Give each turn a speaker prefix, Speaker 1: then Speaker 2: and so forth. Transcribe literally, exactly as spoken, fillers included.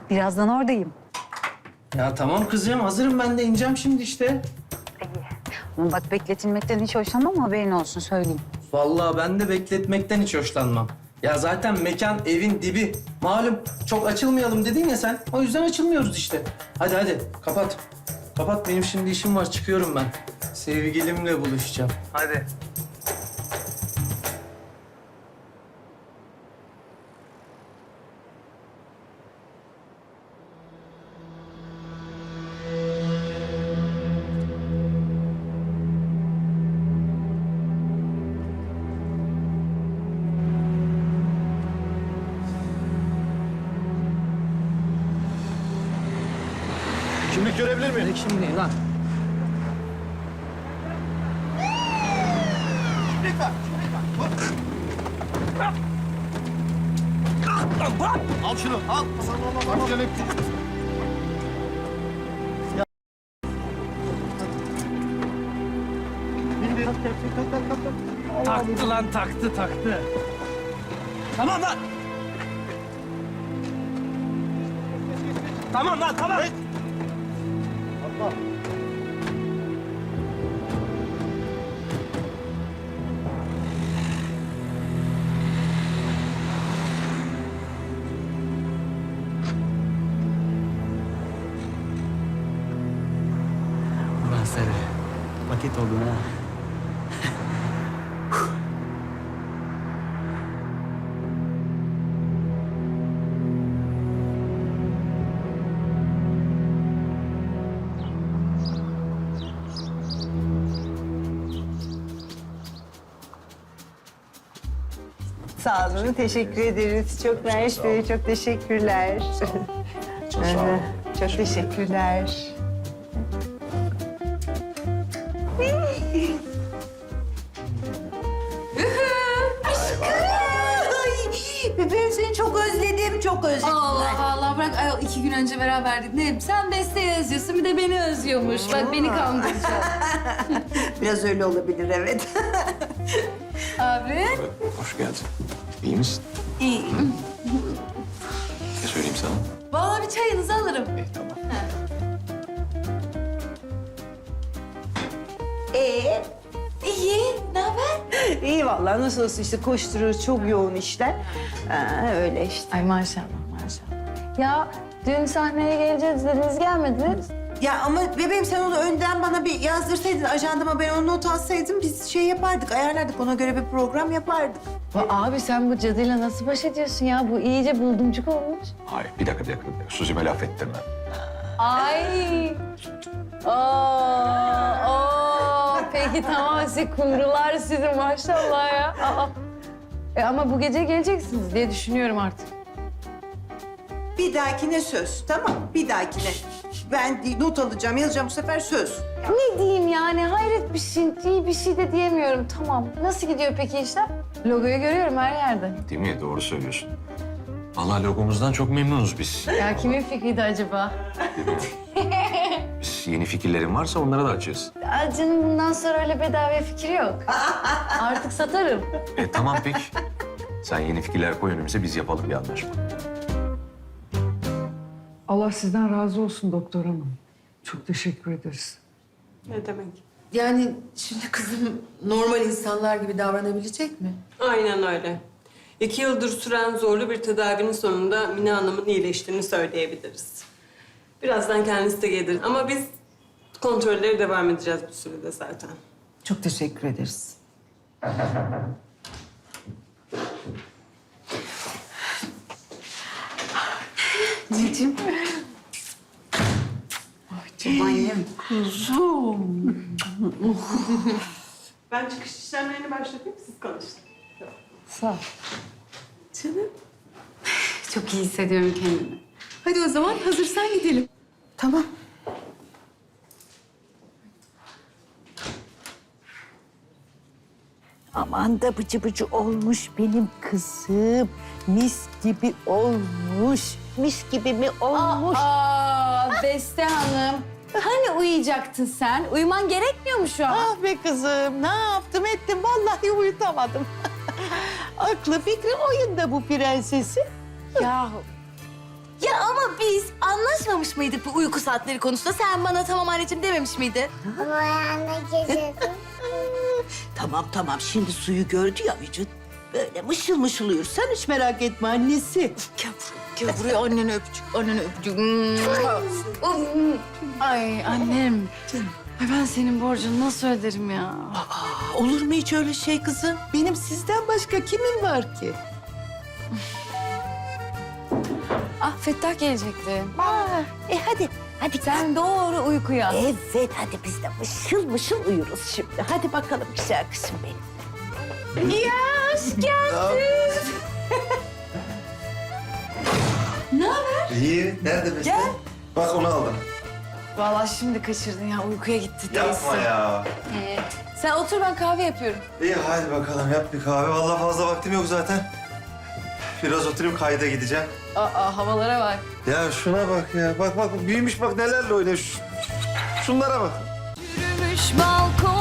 Speaker 1: Birazdan oradayım.
Speaker 2: Ya tamam kızım, hazırım ben de ineceğim şimdi işte.
Speaker 1: Ama bak bekletilmekten hiç hoşlanmam, haberin olsun söyleyeyim.
Speaker 2: Vallahi ben de bekletmekten hiç hoşlanmam. Ya zaten mekan evin dibi. Malum çok açılmayalım dedin ya sen. O yüzden açılmıyoruz işte. Hadi hadi kapat. Kapat, benim şimdi işim var, çıkıyorum ben. Sevgilimle buluşacağım. Hadi.
Speaker 3: Kimlik görebilir miyim?
Speaker 2: Şimdi lan.
Speaker 3: Al şunu, al. Bak canım. Bindi.
Speaker 2: Taktı lan, taktı, taktı. Tamam lan. Tamam lan, tamam.
Speaker 3: Allah.
Speaker 2: Ulan Sarı, paket oldun ha.
Speaker 4: Sağ olun, teşekkür ederiz. Çok mersi, Bey, çok teşekkürler.
Speaker 3: Çok sağ ol.
Speaker 4: Çok teşekkürler. Bebeğim seni çok özledim, çok özledim.
Speaker 5: Allah Allah bırak ay, iki gün önce beraberdik. Ne sen Beste'yi özlüyorsun bir de beni özlüyormuş. Bak beni kandıracak.
Speaker 4: Biraz öyle olabilir, evet.
Speaker 5: Abi.
Speaker 6: Hoş geldin. İyi misin?
Speaker 5: İyiyim.
Speaker 6: Ne söyleyeyim sana?
Speaker 5: Vallahi bir çayınızı alırım.
Speaker 6: İyi, tamam.
Speaker 4: Ee,
Speaker 5: İyi. Ne haber?
Speaker 4: iyi vallahi nasıl olsa işte koşturuyoruz, çok yoğun işler. Ha, öyle işte.
Speaker 5: Ay maşallah maşallah. Ya dün sahneye geleceğiz dediniz gelmediniz.
Speaker 4: Ya ama bebeğim sen onu önden bana bir yazdırsaydın, ajandama ben onu not alsaydım biz şey yapardık, ayarlardık, ona göre bir program yapardık.
Speaker 5: Ya abi sen bu cadıyla nasıl baş ediyorsun ya? Bu iyice buldumcuk olmuş.
Speaker 6: Hayır, bir dakika, bir dakika. bir dakika. Suzi'me laf ettirme.
Speaker 5: Ay. Oo, oo. Peki tamam siz kumrular sizin maşallah ya. Aa. E ama bu gece geleceksiniz diye düşünüyorum artık.
Speaker 4: Bir dahakine söz, tamam? Bir dahakine. Ben not alacağım, yazacağım bu sefer söz.
Speaker 5: Ne diyeyim yani hayret bir şey, iyi bir şey de diyemiyorum. Tamam. Nasıl gidiyor peki işler? Logoyu görüyorum her yerde.
Speaker 6: Değil mi? Doğru söylüyorsun. Vallahi logomuzdan çok memnunuz biz.
Speaker 5: Ya kimin fikriydi acaba?
Speaker 6: Biz yeni fikirlerin varsa onlara da açığız.
Speaker 5: Aa, canım bundan sonra öyle bedava fikir yok. Artık satarım.
Speaker 6: E tamam peki. Sen yeni fikirler koy önümüze, biz yapalım bir anlaşma.
Speaker 7: Allah sizden razı olsun doktor hanım. Çok teşekkür ederiz.
Speaker 8: Ne demek?
Speaker 9: Yani şimdi kızım normal insanlar gibi davranabilecek mi?
Speaker 8: Aynen öyle. İki yıldır süren zorlu bir tedavinin sonunda Mine Hanım'ın iyileştiğini söyleyebiliriz. Birazdan kendisi de gelir ama biz kontrollere devam edeceğiz bu sürede zaten.
Speaker 9: Çok teşekkür ederiz.
Speaker 1: Anneciğim. Canım annem.
Speaker 8: Ben çıkış işlemlerini başlatayım, siz konuşun.
Speaker 5: Sağ ol.
Speaker 1: Canım. Çok iyi hissediyorum kendimi.
Speaker 9: Hadi o zaman hazırsan gidelim.
Speaker 4: Tamam. Aman da bıcı bıcı olmuş benim kızım. Mis gibi olmuş. Mis gibi mi olmuş?
Speaker 5: Aa, Beste Hanım. Hani uyuyacaktın sen? Uyuman gerekmiyor mu şu an?
Speaker 4: Ah be kızım, ne yaptım ettim vallahi uyutamadım. Aklı fikri oyunda bu prensesi.
Speaker 5: Yahu
Speaker 10: Ya ama biz anlaşmamış mıydık bu uyku saatleri konusunda? Sen bana tamam anneciğim dememiş miydin?
Speaker 4: Tamam tamam şimdi suyu gördü ya vücut. Böyle mışıl mışıl uyur. Sen hiç merak etme annesi.
Speaker 10: Gel buraya, gel buraya annene öpücük, annene öpücük.
Speaker 5: Ay annem. Ay ben senin borcunu nasıl öderim ya?
Speaker 4: Aa, olur mu hiç öyle şey kızım? Benim sizden başka kimin var ki?
Speaker 5: Ah Fettah gelecekti.
Speaker 4: Aa, e hadi, hadi
Speaker 5: Sen doğru uykuya.
Speaker 4: Evet, hadi biz de mışıl mışıl uyuruz şimdi. Hadi bakalım güzel kızım benim.
Speaker 3: İyi. Nerede Beste? Gel. Bak onu aldım.
Speaker 5: Vallahi şimdi kaçırdın ya. Uykuya gitti teyze.
Speaker 3: Yapma ya.
Speaker 5: Sen otur ben kahve yapıyorum.
Speaker 3: İyi hadi bakalım yap bir kahve. Vallahi fazla vaktim yok zaten. Biraz oturayım kayda gideceğim.
Speaker 5: Aa havalara bak.
Speaker 3: Ya şuna bak ya. Bak bak büyümüş bak nelerle oynuyor. Şu- Şunlara bak.
Speaker 10: Yürümüş balkon